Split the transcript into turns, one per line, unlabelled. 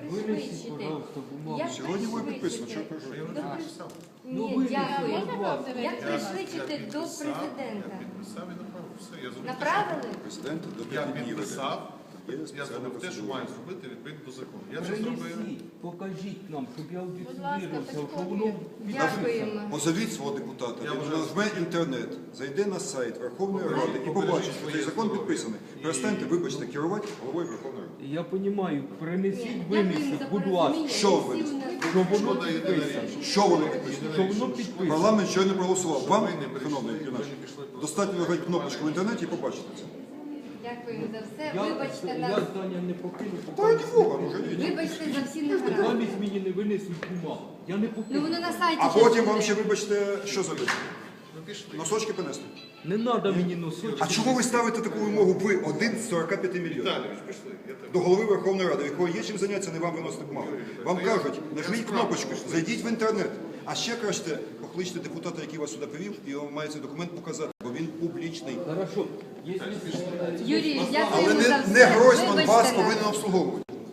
пришвидшити. Як
Сьогодні ви підписано,
пришвидшити?
що кажу.
Я не написав.
Ні, дякую. Як
Я
пришвидшити до
підписав,
президента?
Я підписав і направив. Все, я зробив те,
Направили?
Президент до
Я
5 днів.
підписав,
Є
я
спеціальна
зробив те, що
процедура.
маю зробити відповідно до закону. Я це зробив.
Принесіть, покажіть нам, щоб я удостоверився, що
підходьте.
воно
Дякуємо.
Позовіть свого депутата,
Я
він
можу
нажме інтернет, зайде на сайт Верховної Ради і побачить, що цей закон підписаний. Перестаньте, вибачте, керувати головою Верховної Ради.
Я розумію, принесіть,
Дякуємо
винесіть,
за
будь ласка,
порозуміння.
Що
Всі
ви?
у нас-
що воно
Щодо єдиної
підписано.
речі.
Що воно підписано?
Що воно підписано.
Парламент щойно проголосував. Вам,
Ви не прийшли,
шановний
ви
юнаш,
не пішли просто.
достатньо нажати кнопочку в інтернеті і побачите це.
Дякуємо за все.
Я
Вибачте нас.
здання не покину,
Та раді Бога, ну жаліть.
Вибачте за всі негаразди.
замість мені не винесуть бумагу. Я не
Ну
покину.
воно на сайті.
А
щас
потім
буде.
вам ще, вибачте, що зробити?
Ви пішли.
Носочки понести.
Не треба мені носочки.
А чому ви ставите таку вимогу? Ви один з 45 мільйонів.
Віталійович, пішли. Я тебе.
До голови Верховної Ради, в якого є чим зайнятися, не вам виносити бумагу. Вам кажуть, нажміть кнопочку, зайдіть в інтернет. А ще краще покличте депутата, який вас сюди привів, і він має цей документ показати, бо він публічний.
Хорошо. Якщо
Юрій,
Але
дякуємо за все.
не Гройсман
Вибачте
вас
нас.
повинен обслуговувати.